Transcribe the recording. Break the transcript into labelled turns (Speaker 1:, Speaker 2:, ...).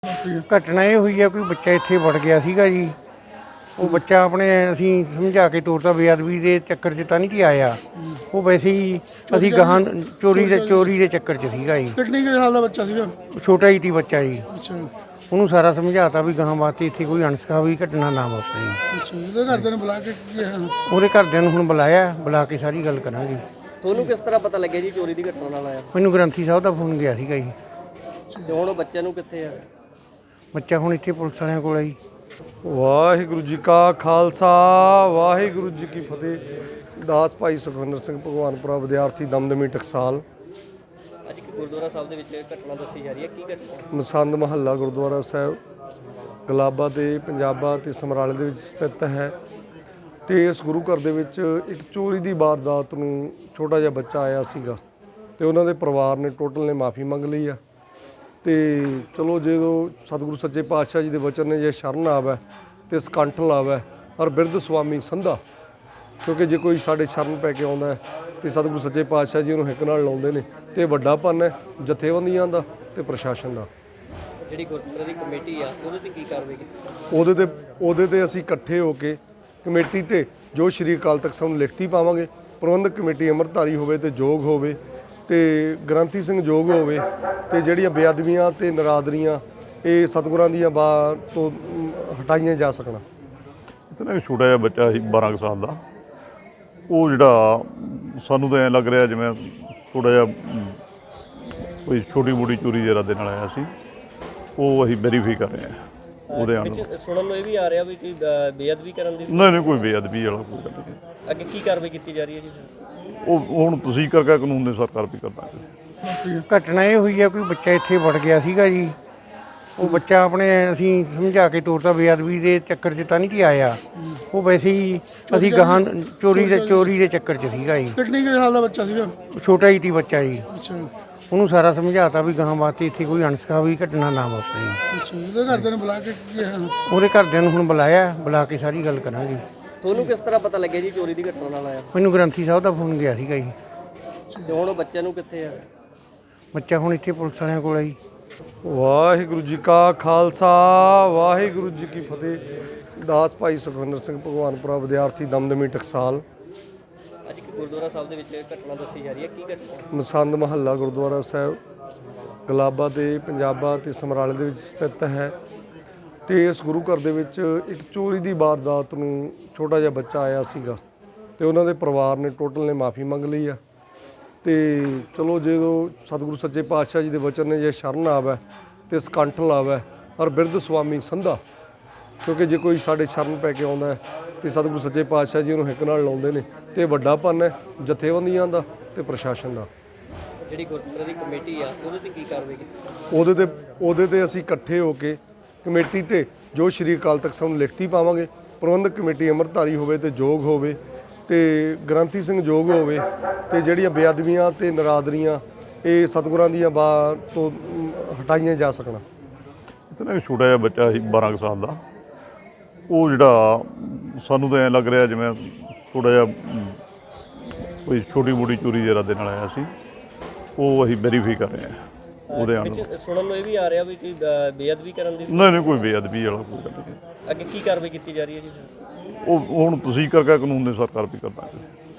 Speaker 1: ਘਟਨਾ ਇਹ ਹੋਈ ਆ, ਕੋਈ ਬੱਚਾ ਇੱਥੇ ਵੜ ਗਿਆ ਸੀਗਾ ਜੀ। ਉਹ ਬੱਚਾ ਆਪਣੇ ਅਸੀਂ ਸਮਝਾ ਕੇ ਤੋਰਤਾ, ਬੇਅਦਬੀ ਦੇ ਚੱਕਰ 'ਚ ਤਾਂ ਨਹੀਂ ਕਿ ਆਇਆ। ਉਹ ਵੈਸੇ ਹੀ ਅਸੀਂ ਗਾਹਾਂ ਚੋਰੀ ਦੇ ਚੱਕਰ 'ਚ ਸੀਗਾ ਜੀ।
Speaker 2: ਕਿੰਨੇ ਕੁ ਸਾਲ ਦਾ ਬੱਚਾ ਸੀਗਾ?
Speaker 1: ਛੋਟਾ ਹੀ ਸੀ ਬੱਚਾ ਜੀ।
Speaker 2: ਅੱਛਾ
Speaker 1: ਉਹਨੂੰ ਸਾਰਾ ਸਮਝਾਤਾ ਵੀ ਗਾਹਾਂ ਵਾਸਤੇ ਇੱਥੇ ਕੋਈ ਅਣਸਖਾਵੀ ਘਟਨਾ ਨਾ ਵਾਪਰੇ ਜੀ।
Speaker 2: ਅੱਛਾ, ਇਹਦੇ ਘਰਦਿਆਂ ਨੂੰ ਬੁਲਾ ਕੇ ਕੀ ਕਿਹਾ?
Speaker 1: ਉਹਦੇ ਘਰਦਿਆਂ ਨੂੰ ਹੁਣ ਬੁਲਾ ਕੇ ਸਾਰੀ ਗੱਲ ਕਰਾਂਗੇ।
Speaker 3: ਤੁਹਾਨੂੰ ਕਿਸ ਤਰ੍ਹਾਂ ਪਤਾ ਲੱਗਿਆ ਜੀ ਚੋਰੀ ਦੀ ਘਟਨਾ ਨਾਲ ਆਇਆ?
Speaker 1: ਮੈਨੂੰ ਗ੍ਰੰਥੀ ਸਾਹਿਬ ਦਾ ਫੋਨ ਗਿਆ ਸੀਗਾ ਜੀ।
Speaker 3: ਤੇ ਹੁਣ ਉਹ ਬੱਚੇ ਨੂੰ ਕਿੱਥੇ ਆ?
Speaker 1: ਬੱਚਾ ਹੁਣ ਇੱਥੇ ਪੁਲਿਸ ਵਾਲਿਆਂ ਕੋਲ ਆ ਜੀ।
Speaker 4: ਵਾਹਿਗੁਰੂ ਜੀ ਕਾ ਖਾਲਸਾ ਵਾਹਿਗੁਰੂ ਜੀ ਕੀ ਫਤਿਹ। ਦਾਸ ਭਾਈ ਸੁਖਵਿੰਦਰ ਸਿੰਘ ਭਗਵਾਨਪੁਰਾ ਵਿਦਿਆਰਥੀ ਦਮਦਮੀ ਟਕਸਾਲ।
Speaker 3: ਅੱਜ ਇੱਕ ਗੁਰਦੁਆਰਾ ਸਾਹਿਬ ਦੇ ਵਿੱਚ ਘਟਨਾ ਦੱਸੀ ਜਾ ਰਹੀ ਹੈ, ਕੀ ਘਟਨਾ?
Speaker 4: ਮਸੰਦ ਮਹੱਲਾ ਗੁਰਦੁਆਰਾ ਸਾਹਿਬ ਗਲਾਬਾ ਤੇ ਪੰਜਾਬਾ ਤੇ ਸਮਰਾਲੇ ਦੇ ਵਿੱਚ ਸਥਿਤ ਹੈ। ਤੇ ਇਸ ਗੁਰੂ ਘਰ ਦੇ ਵਿੱਚ ਇੱਕ ਚੋਰੀ ਦੀ ਵਾਰਦਾਤ ਨੂੰ ਛੋਟਾ ਜਿਹਾ ਬੱਚਾ ਆਇਆ ਸੀਗਾ ਤੇ ਉਹਨਾਂ ਦੇ ਪਰਿਵਾਰ ਨੇ ਟੋਟਲ ਨੇ ਮਾਫੀ ਮੰਗ ਲਈ ਆ। ਤੇ ਚਲੋ ਜਦੋਂ ਸਤਿਗੁਰੂ ਸੱਚੇ ਪਾਤਸ਼ਾਹ ਜੀ ਦੇ ਵਚਨ ਨੇ ਜੇ ਸ਼ਰਨ ਆਵੈ ਤੇ ਸਕੰਠ ਲਾਵੈ ਔਰ ਬਿਰਧ ਸੁਆਮੀ ਸੰਧਾ, ਕਿਉਂਕਿ ਜੇ ਕੋਈ ਸਾਡੇ ਸ਼ਰਨ ਪੈ ਕੇ ਆਉਂਦਾ ਤੇ ਸਤਿਗੁਰੂ ਸੱਚੇ ਪਾਤਸ਼ਾਹ ਜੀ ਉਹਨੂੰ ਹਿੱਕ ਨਾਲ ਲਾਉਂਦੇ ਨੇ ਤੇ ਵੱਡਾ ਪੰਨ ਹੈ ਜਥੇਬੰਦੀਆਂ ਦਾ ਤੇ ਪ੍ਰਸ਼ਾਸਨ ਦਾ।
Speaker 3: ਜਿਹੜੀ ਗੁਰਦੁਆਰੇ ਦੀ ਕਮੇਟੀ ਆ ਉਹਦੇ ਤੇ ਕੀ ਕਾਰਵਾਈ ਕੀਤੀ?
Speaker 4: ਉਹਦੇ ਤੇ ਅਸੀਂ ਇਕੱਠੇ ਹੋ ਕੇ ਕਮੇਟੀ ਤੇ ਜੋ ਸ਼੍ਰੀ ਅਕਾਲ ਤਖਤ ਸਾਹਿਬ ਨੂੰ ਲਿਖਤੀ ਪਾਵਾਂਗੇ। ਪ੍ਰਬੰਧਕ ਕਮੇਟੀ ਅੰਮ੍ਰਿਤਧਾਰੀ ਹੋਵੇ ਤੇ ਯੋਗ ਹੋਵੇ ਤੇ ਗ੍ਰੰਥੀ ਸਿੰਘ ਯੋਗ ਹੋਵੇ ਤੇ ਜਿਹੜੀਆਂ ਬੇਅਦਬੀਆਂ ਤੇ ਨਰਾਦਰੀਆਂ ਇਹ ਸਤਿਗੁਰਾਂ ਦੀਆਂ ਤੋਂ ਹਟਾਈਆਂ ਜਾ ਸਕਣ।
Speaker 5: ਇਤਨਾ ਛੋਟਾ ਜਿਹਾ ਬੱਚਾ ਸੀ 12 ਸਾਲ ਦਾ। ਉਹ ਜਿਹੜਾ ਸਾਨੂੰ ਤਾਂ ਐਂ ਲੱਗ ਰਿਹਾ ਜਿਵੇਂ ਥੋੜ੍ਹਾ ਜਿਹਾ ਕੋਈ ਛੋਟੀ ਮੋਟੀ ਚੋਰੀ ਦੇ ਇਰਾਦੇ ਨਾਲ ਆਇਆ ਸੀ। ਉਹ ਅਸੀਂ ਵੈਰੀਫਾਈ ਕਰ ਰਹੇ ਹਾਂ ਉਹਦੇ ਨਾਲ।
Speaker 3: ਸੁਣਨ ਨੂੰ ਇਹ ਵੀ ਆ ਰਿਹਾ ਵੀ ਕੋਈ ਬੇਅਦਬੀ ਕਰਨ ਦੀ?
Speaker 5: ਨਹੀਂ ਕੋਈ ਬੇਅਦਬੀ ਵਾਲਾ ਕੋਈ ਗੱਲ ਨਹੀਂ।
Speaker 3: ਅੱਗੇ ਕੀ ਕਾਰਵਾਈ ਕੀਤੀ ਜਾ ਰਹੀ ਹੈ ਜੀ?
Speaker 5: ਉਹ ਹੁਣ ਤੁਸੀਂ ਕਰਕੇ ਕਾਨੂੰਨ ਦੇ ਸਰਕਾਰ ਵੀ ਕਰਨਾ।
Speaker 1: ਘਟਨਾ ਇਹ ਹੋਈ ਆ, ਕੋਈ ਬੱਚਾ ਇੱਥੇ ਵੜ ਗਿਆ ਸੀਗਾ ਜੀ। ਉਹ ਬੱਚਾ ਆਪਣੇ ਅਸੀਂ ਸਮਝਾ ਕੇ ਤੋਰਤਾ, ਬੇਅਦਬੀ ਦੇ ਚੱਕਰ 'ਚ ਤਾਂ ਨਹੀਂ ਕਿ ਆਇਆ। ਉਹ ਵੈਸੇ ਹੀ ਅਸੀਂ ਗਾਹਾਂ ਚੋਰੀ ਦੇ ਚੱਕਰ 'ਚ ਸੀਗਾ ਜੀ।
Speaker 2: ਕਿੰਨੇ ਕੁ ਸਾਲ ਦਾ ਬੱਚਾ ਸੀਗਾ?
Speaker 1: ਛੋਟਾ ਹੀ ਸੀ ਬੱਚਾ ਜੀ।
Speaker 2: ਅੱਛਾ
Speaker 1: ਉਹਨੂੰ ਸਾਰਾ ਸਮਝਾਤਾ ਵੀ ਗਾਹਾਂ ਵਾਸਤੇ ਇੱਥੇ ਕੋਈ ਅਣਸਖਾਵੀ ਘਟਨਾ ਨਾ ਵਾਪਰੇ ਜੀ।
Speaker 2: ਅੱਛਾ, ਇਹਦੇ ਘਰਦਿਆਂ ਨੂੰ ਬੁਲਾ ਕੇ ਕੀ ਕਿਹਾ?
Speaker 1: ਉਹਦੇ ਘਰਦਿਆਂ ਨੂੰ ਹੁਣ ਬੁਲਾ ਕੇ ਸਾਰੀ ਗੱਲ ਕਰਾਂਗੇ।
Speaker 3: ਤੁਹਾਨੂੰ ਕਿਸ ਤਰ੍ਹਾਂ ਪਤਾ ਲੱਗਿਆ ਜੀ ਚੋਰੀ ਦੀ ਘਟਨਾ ਨਾਲ ਆਇਆ?
Speaker 1: ਮੈਨੂੰ ਗ੍ਰੰਥੀ ਸਾਹਿਬ ਦਾ ਫੋਨ ਗਿਆ ਸੀਗਾ ਜੀ।
Speaker 3: ਤੇ ਹੁਣ ਉਹ ਬੱਚੇ ਨੂੰ ਕਿੱਥੇ ਆ?
Speaker 1: ਬੱਚਾ ਹੁਣ ਇੱਥੇ ਪੁਲਿਸ ਵਾਲਿਆਂ ਕੋਲ ਆ ਜੀ।
Speaker 4: ਵਾਹਿਗੁਰੂ ਜੀ ਕਾ ਖਾਲਸਾ ਵਾਹਿਗੁਰੂ ਜੀ ਕੀ ਫਤਿਹ। ਦਾਸ ਭਾਈ ਸੁਖਵਿੰਦਰ ਸਿੰਘ ਭਗਵਾਨਪੁਰਾ ਵਿਦਿਆਰਥੀ ਦਮਦਮੀ ਟਕਸਾਲ।
Speaker 3: ਅੱਜ ਇੱਕ ਗੁਰਦੁਆਰਾ ਸਾਹਿਬ ਦੇ ਵਿੱਚ ਘਟਨਾ ਦੱਸੀ ਜਾ ਰਹੀ ਹੈ, ਕੀ ਘਟਨਾ?
Speaker 4: ਮਸੰਦ ਮਹੱਲਾ ਗੁਰਦੁਆਰਾ ਸਾਹਿਬ ਗਲਾਬਾ ਤੇ ਪੰਜਾਬਾ ਤੇ ਸਮਰਾਲੇ ਦੇ ਵਿੱਚ ਸਥਿਤ ਹੈ। ਤੇ ਇਸ ਗੁਰੂ ਘਰ ਦੇ ਵਿੱਚ ਇੱਕ ਚੋਰੀ ਦੀ ਵਾਰਦਾਤ ਨੂੰ ਛੋਟਾ ਜਿਹਾ ਬੱਚਾ ਆਇਆ ਸੀਗਾ ਤੇ ਉਹਨਾਂ ਦੇ ਪਰਿਵਾਰ ਨੇ ਟੋਟਲ ਨੇ ਮਾਫੀ ਮੰਗ ਲਈ ਆ। ਤੇ ਚਲੋ ਜਦੋਂ ਸਤਿਗੁਰੂ ਸੱਚੇ ਪਾਤਸ਼ਾਹ ਜੀ ਦੇ ਵਚਨ ਨੇ ਜੇ ਸ਼ਰਨ ਆਵੈ ਤੇ ਸਕੰਠ ਲਾਵੈ ਔਰ ਬਿਰਧ ਸੁਆਮੀ ਸੰਧਾ, ਕਿਉਂਕਿ ਜੇ ਕੋਈ ਸਾਡੇ ਸ਼ਰਨ ਪੈ ਕੇ ਆਉਂਦਾ ਤੇ ਸਤਿਗੁਰੂ ਸੱਚੇ ਪਾਤਸ਼ਾਹ ਜੀ ਉਹਨੂੰ ਹਿੱਕ ਨਾਲ ਲਾਉਂਦੇ ਨੇ ਤੇ ਵੱਡਾ ਪੰਨ ਹੈ ਜਥੇਬੰਦੀਆਂ ਦਾ ਤੇ ਪ੍ਰਸ਼ਾਸਨ ਦਾ।
Speaker 3: ਜਿਹੜੀ ਗੁਰਦੁਆਰੇ ਦੀ ਕਮੇਟੀ ਆ ਉਹਦੇ ਤੇ ਕੀ ਕਾਰਵਾਈ ਕੀਤੀ?
Speaker 4: ਉਹਦੇ ਤੇ ਅਸੀਂ ਇਕੱਠੇ ਹੋ ਕੇ ਕਮੇਟੀ ਤੇ ਜੋ ਸ਼੍ਰੀ ਅਕਾਲ ਤਖਤ ਸਾਹਿਬ ਨੂੰ ਲਿਖਤੀ ਪਾਵਾਂਗੇ। ਪ੍ਰਬੰਧਕ ਕਮੇਟੀ ਅੰਮ੍ਰਿਤਧਾਰੀ ਹੋਵੇ ਤੇ ਯੋਗ ਹੋਵੇ ਤੇ ਗ੍ਰੰਥੀ ਸਿੰਘ ਯੋਗ ਹੋਵੇ ਤੇ ਜਿਹੜੀਆਂ ਬੇਅਦਬੀਆਂ ਤੇ ਨਰਾਦਰੀਆਂ ਇਹ ਸਤਿਗੁਰਾਂ ਦੀਆਂ ਤੋਂ ਹਟਾਈਆਂ ਜਾ ਸਕਣ।
Speaker 5: ਇਤਨਾ ਛੋਟਾ ਜਿਹਾ ਬੱਚਾ ਸੀ 12 ਸਾਲ ਦਾ। ਉਹ ਜਿਹੜਾ ਸਾਨੂੰ ਤਾਂ ਐਂ ਲੱਗ ਰਿਹਾ ਜਿਵੇਂ ਥੋੜ੍ਹਾ ਜਿਹਾ ਕੋਈ ਛੋਟੀ ਮੋਟੀ ਚੋਰੀ ਦੇ ਇਰਾਦੇ ਨਾਲ ਆਇਆ ਸੀ। ਉਹ ਅਸੀਂ ਵੈਰੀਫਾਈ ਕਰ ਰਹੇ ਹਾਂ ਉਹਦੇ ਨਾਲ।
Speaker 3: ਸੁਣਨ ਨੂੰ ਇਹ ਵੀ ਆ ਰਿਹਾ ਵੀ ਕੋਈ ਬੇਅਦਬੀ ਕਰਨ ਦੀ?
Speaker 5: ਨਹੀਂ ਕੋਈ ਬੇਅਦਬੀ ਵਾਲਾ ਕੋਈ ਗੱਲ ਨਹੀਂ।
Speaker 3: ਅੱਗੇ ਕੀ ਕਾਰਵਾਈ ਕੀਤੀ ਜਾ ਰਹੀ ਹੈ ਜੀ?
Speaker 5: ਉਹ ਹੁਣ ਤੁਸੀਂ ਕਰਕੇ ਕਾਨੂੰਨ ਦੇ ਸਰਕਾਰ ਵੀ ਕਰਨਾ।